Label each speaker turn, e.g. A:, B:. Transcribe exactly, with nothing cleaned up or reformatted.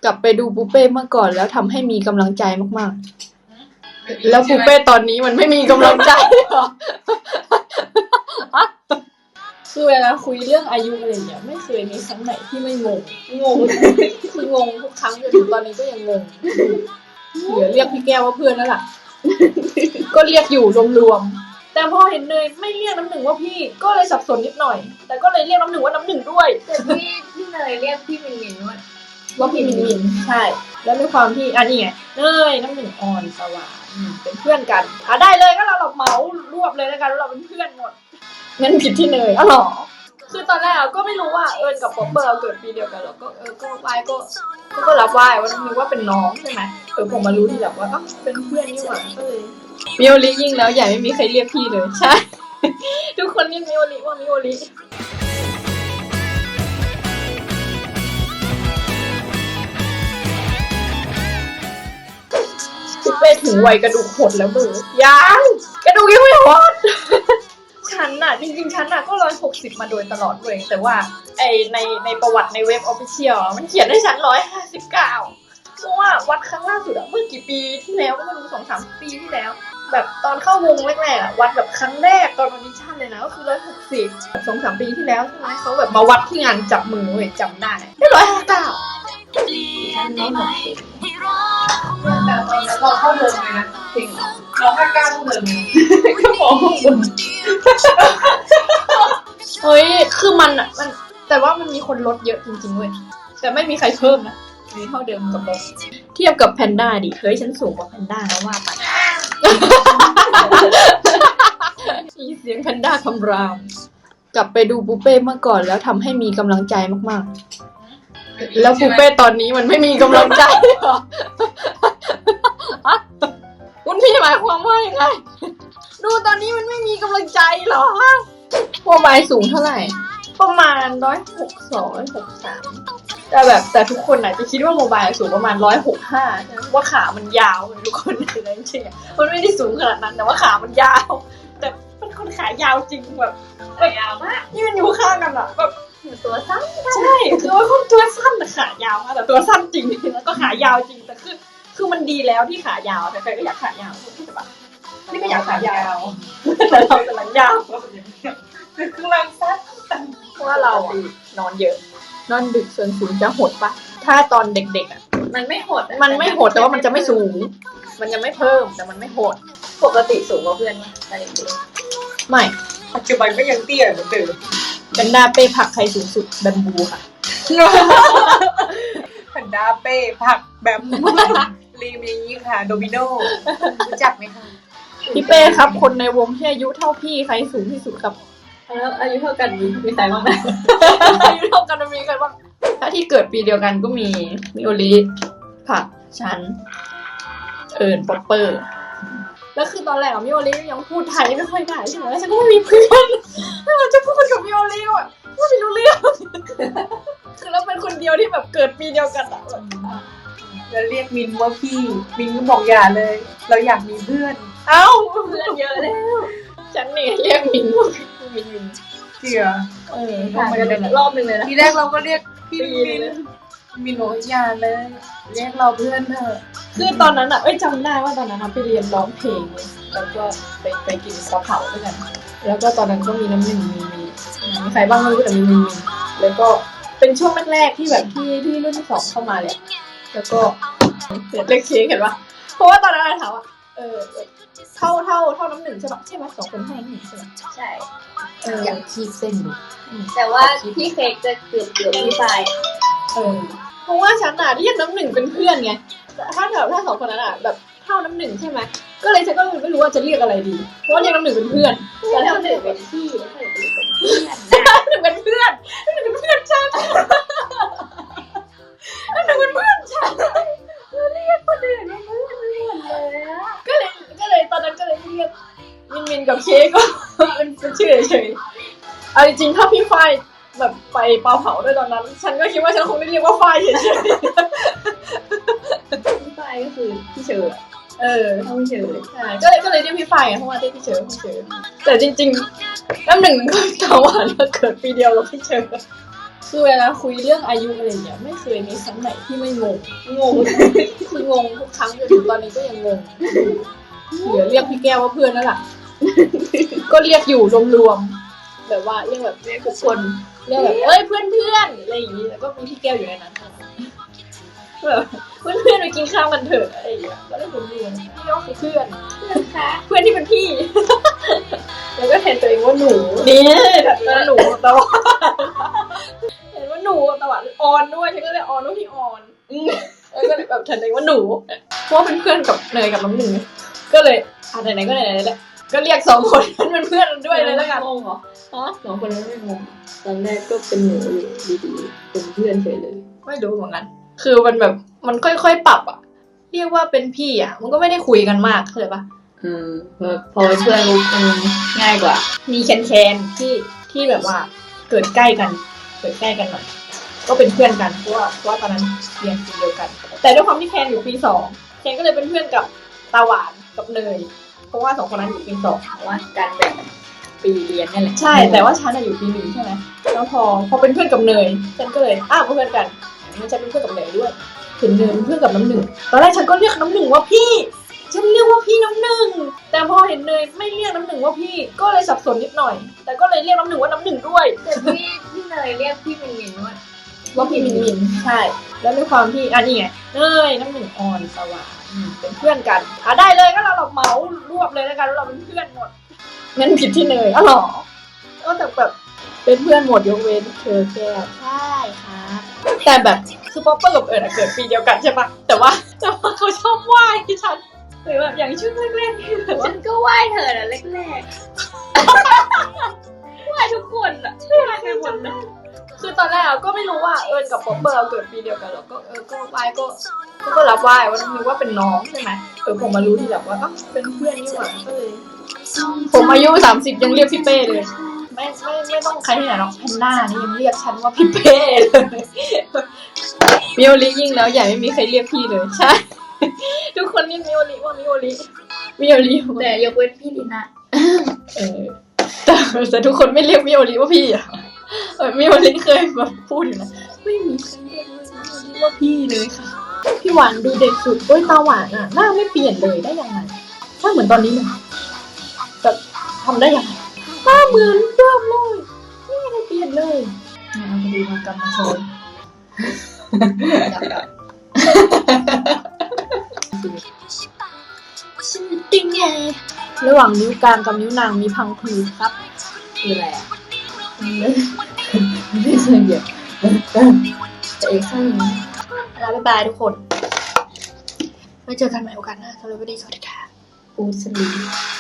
A: กลับไปดูปูเป้เมื่อก่อนแล้วทำให้มีกำลังใจมากๆแล้วปูเป้ตอนนี้มันไม่มีกำลังใจหรอคือเวลาคุยเรื่องอายุอะไรเนี่ยไม่เคยมีครั้งไหนที่ไม่งงงงคืองงทุกครั้งจนถึงตอนนี้ก็ยังงงเหลือเรียกพี่แก้วว่าเพื่อนแล้วล่ะก็เรียกอยู่รวมๆแต่พอเห็นเนยไม่เรียกน้ำหนึ่งว่าพี่ก็เลยสับสนนิดหน่อยแต่ก็เลยเรียกน้ำหนึ่งว่าน้ำหนึ่งด้วย
B: แต่พี่พี่เนยเรียกพี่มินมินว่า
A: ว่าพี่มินมินใช่แล้วด้วยความที่อันนี้ไงเนยน้ำหนึ่งออนสว่างเป็นเพื่อนกันอ่ะได้เลยก็เราเราเหมารวบเลยแล้วกันเราเป็นเพื่อนหมดงั้นผิดที่เนยอ๋อหรอคือตอนแรกก็ไม่รู้ว่าเอิญกับป๊อปเปอร์เราเกิดปีเดียวกันแล้วก็เออก็ไหว้ก็ก็รับไหว้ว่านึกว่าเป็นน้องใช่ไหมเออผมมารู้ทีหลังว่าก็เป็นเพื่อนนี่หว่าก็เลยมิโอริยิ่งแล้วใหญ่ไม่มีใครเรียกพี่เลยใช่ทุกคนเรียกมิโอริว่ามิโอริไปถึงวัยกระดูกหดแล้วมือยังกระดูกยังไม่หดฉันน่ะจริงๆฉันน่ะก็ร้อยหกสิบมาโดยตลอดเลยแต่ว่าไอในในประวัติในเว็บออฟฟิเชียลมันเขียนให้ฉันร้อยห้าสิบเก้าเพราะว่าวัดครั้งล่าสุดอะเมื่อกี่ปีที่แล้วก็ไม่รู้สองสามปีที่แล้วแบบตอนเข้าวงแรกๆอะวัดแบบครั้งแรกตอนออดิชั่นเลยนะก็คือร้อยหกสิบสองสามปีที่แล้วใช่ไหมเขาแบบมาวัดที่งานจับมือเว้ยจำได้ได้ร้อยห้าเก้า
B: ฉันน้องหกสิบ
C: แต่ตอนนั้นเราเข้าเดิมเลยนะจริงเราห้าเก้าเข้าเดิมเลย
A: ก็มองบนเฮ้ยคือมันอ่ะมันแต่ว่ามันมีคนลดเยอะจริงๆเว้ยแต่ไม่มีใครเพิ่มนะมีเท่าเดิมกับลดเทียบกับแพนด้าดิเฮ้ยฉันสูงกว่าแพนด้าแล้วว่าไปมีเสียงแพนด้าคำรามกลับไปดูปูเป้เมื่อก่อนแล้วทำให้มีกำลังใจมากๆแล้วปูเป้ตอนนี้มันไม่มีกำลังใจหรอคุณพี่หมายความว่ายังไงดูตอนนี้มันไม่มีกำลังใจหรอโมบายสูงเท่าไหร่ประมาณร้อยหกสองร้อยหกสามแต่แบบแต่ทุกคนอาจจะคิดว่าโมบายสูงประมาณร้อยหกห้าว่าขามันยาวทุกคนคือจริงๆมันไม่ได้สูงขนาดนั้นแต่ว่าขามันยาวแต่เป็นคนขายาวจริงแบบ
B: ยาวมาก
A: ยืนอยู่ข้างกันอะแบบ
B: ตัวสั้น
A: ใช่คือว่าคนตัวสั้นแต่ขายาวมากแต่ตัวสั้นจริงแล้วก็ขายาวจริงแต่คือคือมันดีแล้วที่ขายาวแต่ใครก็อยากขายาวใช่ปะนี่ก็อยากขายาวแต่เราแต่หลังยาว
C: คือคือเราสั้น
A: เพราะว่าเราอะนอนเยอะนอนดึกส่วนสูงจะหดปะถ้าตอนเด็กๆอ่ะ
B: มันไม่หด
A: มันไม่หดแต่ว่ามันจะไม่สูงมันจะไม่เพิ่มแต่มันไม่หด
B: ปกติสูงกว่าเพื่อนไหมตอนเด็ก
A: ๆไม่
C: ปัจจุบันก็ยังเตี้ยเหมือนเดิม
A: แพนด้าเป้ผักใครสูงสุดแบมบูค่ะ
C: แพนด้าเป้ผักแบมบูรีมีค่ะโดมิโนรู้จักไหมคะ
A: พี่เป้ครับคนในวงที่อายุเท่าพี่ใครสูงที่สุดครับ
B: แล้วอายุเท่ากันมีมีใครบ้างนะ
A: อายุเท่ากันมีใครบ้างถ้าที่เกิดปีเดียวกันก็มีมิโอริผักฉันเอิญป๊อปเปอร์แล้วคือตอนแรกมิโอริยังพูดไทยไม่ค่อยได้ใช่ไหมแล้วฉันก็ไม่มีเพื่อนแล้วมันจะพูดกับมิโอริอ่ะพูดไม่รู้เรื่องคือเราเป็นคนเดียวที่แบบเกิดปีเดียวกันอ่ะ
C: จะเรียกมินว่าพี่มินก็บอกอย่าเลยเราอยากมีเพื่อน
A: เอ้าเพื่อนเยอะแล้วฉันเนี่ยเรียกมินว่ามินมิน
C: เจีย
A: เออทำกันรอบนึงเลยนะ
C: ทีแรกเราก็เรียกพี่มินมินบอกอย่าเลยเรียกเราเพื่อนเถอะ
A: คือตอนนั้นอ่ะเอ้ยจำได้ว่าตอนนั้นไปเรียนร้องเพลงแล้วก็ไปไปกินกะเพราด้วยกันแล้วก็ตอนนั้นก็มีน้ำหนึ่งมีมีมีใครบ้างไม่รู้แต่มีมีแล้วก็เป็นช่วงแรกๆที่แบบที่ที่รุ่นที่สองเข้ามาเลยแล้วก็เล็กเค้กเห็นปะเพราะว่าตอนนั้นถามว่าเออเท่าเท่าเท่าน้ำหนึ่งใช่ปะใช่ไหมสองคนเท่าน้ำหนึ่งใช่ไหม
B: ใช่
A: เอออย่างคีบเส้นดู
B: แต่ว่าพี่เค้กจะเกือบเกือบพี่ชาย
A: เออเพราะว่าฉันอ่ะเรียกน้ำหนึ่งเป็นเพื่อนไงถ้าแบบถ้าสองคนนั้นอ่ะแบบเท่าน้ำหนึ่งใช่ไหมก็เลยฉันก็ไม่รู้ว่าจะเรียกอะไรดีเพราะว่าเรียกน้ำหนึ่งเป็นเพื่อน
B: แต่น้ำหนึ่งเป็นพี่แล้วน้ำหนึ่ง
A: เป็นเพื่อนน้ำหนึ่งเป็นเพื่อนน้ำหนึ่งเป็นเพื่อนฉันน้ำหนึ่งเป็นเพื่อนฉัน
B: เรียกคนอื่นเป็นเพื่อนเลยอ่ะ
A: ก็เลยก็เลยตอนนั้นก็เลยเรียกมินมินกับเค้กก็เป็นเป็นชื่อเฉยๆเอาจริงๆถ้าพี่ฝ้ายแบบไปเปาเผาด้วยตอนนั้นฉันก็คิดว่าฉันคงได้เรียกว่าฝ้ายเฉย
B: ๆพี่ฝ้ายก็คือพี่เชอร์
A: เออ
B: พี่เชอร์
A: ใช่ก็เลยก็เลยเรียกพี่ฝ้ายเพราะว่าเรียกพี่เชอร์พี่เชอร์แต่จริงๆน้ำหนึ่งก็ตาหวานเกิดปีเดียวกับพี่เชอร์คือเวลาคุยเรื่องอายุอะไรเนี่ยไม่เคยมีครั้งไหนที่ไม่งงงงคืองงทุกครั้งจนถึงตอนนี้ก็ยังงงเหลือเรียกพี่แก้วว่าเพื่อนนั่นแหละก็เรียกอยู่รวมๆแบบว่าเรียกแบบเรียกทุกคนเรียกแบบเอ้ยเพื่อนเพื่อนอะไรอย่างนี้แล้วก็มีพี่แก้วอยู่ในนั้นแบบเพื่อนเพื่อนไปกินข้าวกันเถอะอะไรอย่างเงี้ยก็ได้รวมๆพี่ก็คือเพื่อนเพื่อนที่เป็นพี่แล้วก็แทนตัวเองว่าหนูนี่แทนตัวเองว่าหนูแต่ว่าเห็นว่าหนูแต่ว่าออนด้วยฉันก็เลยออนว่าพี่ออนแล้วก็เลยแบบแทนตัวเองว่าหนูเพราะว่าเป็นเพื่อนกับเนยกับน้องหนึ่งก็เลยอ่ะไหนๆก็ไหนๆแหละก็เรียกสองคนนั้นเป็นเพื่อนด้วยเลยแล้วกันงงเหรอฮะสองคนนั้นไม่งงตอนแรกก็เป็นหนูอยู่ดีๆเป็นเพื่อนเฉยเลยไม่รู้เหมือนกันคือมันแบบมันค่อยๆปรับอ่ะเรียกว่าเป็นพี่อ่ะมันก็ไม่ได้คุยกันมากเข้าใจปะ
B: อืมพอเป็นเพื่อนมันง่ายกว่า
A: มีแคนๆที่ที่แบบว่าเกิดใกล้กันเกิดใกล้กันหน่อยก็เป็นเพื่อนกันเพราะว่าเพราะว่าตอนนั้นเรียนปีเดียวกันแต่ด้วยความที่แคนอยู่ปีสองแคนก็เลยเป็นเพื่อนกับตาหวานกับเนยเพราะว่าสองคนนั้นอยู่ปีสองเพราะว่าการแบ่งปีเรียนนี่แหละใช่แต่ว่าฉันอยู่ปีหนึ่งใช่ไหมแล้วพอพอเป็นเพื่อนกับเนยฉันก็เลยอ้าวเพื่อนกันงั้นฉันเป็นเพื่อนกับเนยด้วยถึงเนยเป็นเพื่อนกับน้ำหนึ่งตอนแรกฉันก็เรียกน้ำหนึ่งว่าพี่ฉันเรียกว่าพี่น้ำหนึ่งแต่พอเห็นเนยไม่เรียกน้ำหนึ่งว่าพี่ก็เลยสับสนนิดหน่อยแต่ก็เลยเรียกน้ำหนึ่งว่าน้ำหนึ่งด้วย
B: แต่พี่พี่เนยเรียกพี่มินมินว่า
A: ว่าพี่มินมินใช่แล้วด้วยความที่อันนี้ไงเนยน้ำหนึ่งออนสว่างเป็นเพื่อนกันอ่ะได้เลยก็เราเราเมารวบเลยแล้วกันเราเป็นเพื่อนหมดงั้นผิดที่เนยอ๋อหรอก็แต่แบบเป็นเพื่อนหมดยกเว้นเธอแก้วใช่ค่ะแต่แบบคือป๊อปเปอร์กับเอิร์ดเกิดปีเดียวกันใช่ปะแต่ว่าแต่ว่าเขาชอบไหว้ที่ฉันหรือแบบอย่างช่วงแรกๆที่แบบว่า
B: ฉันก็ไหว้เธอนะแรก
A: ๆไหว้ทุกคนอะไหว้ไปหมดเลยคือตอนแรกก็ไม่รู้ว่าเอิร์ดกับป๊อปเปอร์เกิดปีเดียวกันแล้วก็เออก็ไหว้ก็ก็รับไหว้ว่านึกว่าเป็นน้องใช่ไหมเออผมมารู้ทีหลังว่าเป็นเพื่อนนี่หว่าก็เลยผมอายุสามสิบยังเรียกพี่เป้เลยไม่ไม่ไม่ต้องใครที่ไหนหรอกแพนด้านี่ยังเรียกฉันว่าพี่เป้เลยมิโอริยิ่งแล้วอย่าไม่มีใครเรียกพี่เลยใช่ทุกคนเรียกมิโอริว่ามิโอริมิโอริ
B: แต่ยกเว้นพี่ลินะ
A: เออแต่แต่ทุกคนไม่เรียกมิโอริว่าพี่อ่ะเออมิโอริเคยมาพูดอยู่นะไม่มีใครเรียกมิโอริว่าพี่เลยค่ะพี่หวานดูเด็กสุดโอ้ยตาหวานอ่ะหน้าไม่เปลี่ยนเลยได้ยังไงหน้าเหมือนตอนนี้เลยแต่ทำได้ยังไงหน้าเหมือนเดิมเลยไม่ได้เปลี่ยนเลยเนี่ยเอามาดูมากำมาโชว์ชื่อติงไงระหว่างนิ้วกลางกับนิ้วนางมีพังผืดครับ
B: คืออะไรอ่ะ
A: ไม่เคยเหยียบแต่อีกข้างนึงแล้วบ๊ายบายทุกคนไว้เจอกันใหม่โอกาสหน้าสำหรับวันนี้สวัสดีค่ะปูสลี